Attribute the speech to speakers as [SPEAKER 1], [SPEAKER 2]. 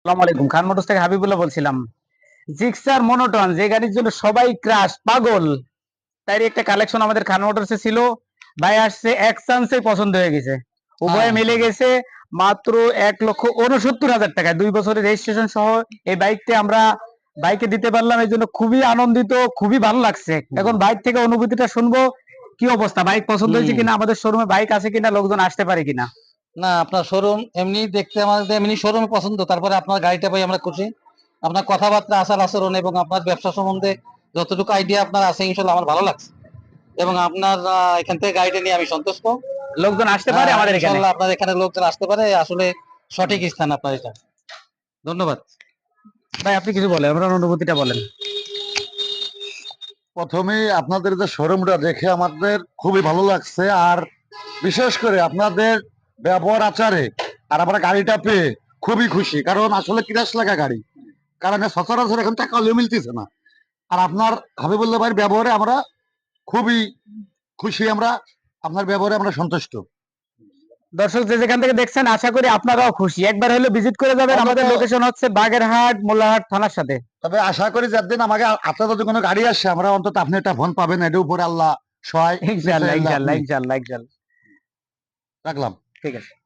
[SPEAKER 1] আসসালামু আলাইকুম, খান মোটরস থেকে হাবিবুল্লাহ বলছিলাম। জিক্সার মনোটন, যে গাড়ির জন্য সবাই ক্রাশ পাগল, তারই একটা কালেকশন আমাদের খান মোটরসে ছিল। ভাই আসছে, এক চান্সে পছন্দ হয়ে গেছে,
[SPEAKER 2] হ্যাঁ,
[SPEAKER 1] উভয়ে মিলে
[SPEAKER 2] ইনশাআল্লাহ।
[SPEAKER 1] গেছে। মাত্র 1,69,000 টাকায় 2 বছরের রেজিস্ট্রেশন সহ এই বাইকটা আমরা বাইকে দিতে পারলাম। এই জন্য খুবই আনন্দিত, খুবই ভালো লাগছে।
[SPEAKER 2] হুম,
[SPEAKER 1] এখন বাইক থেকে অনুভূতিটা শুনবো। কি অবস্থা, বাইক পছন্দ হয়েছে
[SPEAKER 2] হুম।
[SPEAKER 1] কিনা, আমাদের শোরুমে বাইক আছে কিনা, লোকজন আসতে পারে কিনা?
[SPEAKER 2] না, আপনার শোরুম এমনি দেখতে আমাদের এমনি শোরুম পছন্দ, তারপরে আপনার গাড়িটা পাই আমরা খুশি। আপনার কথাবার্তা, আচার আচরণ এবং আপনার ব্যবসা সম্বন্ধে যতটুকু আইডিয়া আপনার আছে, ইনশাল্লাহ আমার ভালো লাগছে। এবং আপনার এখান থেকে গাড়িটা নিয়ে আমি সন্তুষ্ট।
[SPEAKER 1] লোকজন আসতে পারে
[SPEAKER 2] হ্যাঁ,
[SPEAKER 1] আমাদের এখানে?
[SPEAKER 2] ইনশাল্লাহ আপনার এখানে লোকজন আসতে পারে, আসলে সঠিক স্থান আপনার এটা। ধন্যবাদ।
[SPEAKER 1] ভাই আপনি কিছু বলেন, আপনার অনুভূতিটা বলেন।
[SPEAKER 3] প্রথমে আপনাদের যে শোরুমটা দেখে আমাদের খুবই ভালো লাগছে, আর বিশেষ করে আপনাদের ব্যবহার আচারে আর আমরা গাড়িটা পেয়ে খুবই খুশি, কারণ আসলে কিরাস লাগা গাড়ি, কারণ সচরাচর এখন টাকা হলেও মিলতেছে না। আর আপনার হাবিবুল্লাহ ভাইয়ের ব্যবহারে আমরা খুবই খুশি, আমরা আপনার ব্যবহারে আমরা সন্তুষ্ট।
[SPEAKER 1] দর্শক যে যেখান থেকে দেখছেন, আশা করি আপনারাও খুশি। একবার হলে ভিজিট করে যাবেন।
[SPEAKER 3] অন্তত
[SPEAKER 1] আমাদের লোকেশন হচ্ছে বাগেরহাট মোল্লাহাট থানার সাথে।
[SPEAKER 3] তবে আশা করি যেদিন আমাকে আপনার যদি কোনো গাড়ি আসে, আমরা অন্তত আপনি একটা ফোন পাবেন, এটার উপরে আল্লাহ সহায়।
[SPEAKER 1] ইনশাল্লাহ
[SPEAKER 3] আপনি
[SPEAKER 1] ইনশাল্লাহ ইনশাল্লাহ ইনশাল্লাহ।
[SPEAKER 3] রাখলাম।
[SPEAKER 1] ঠিক আছে।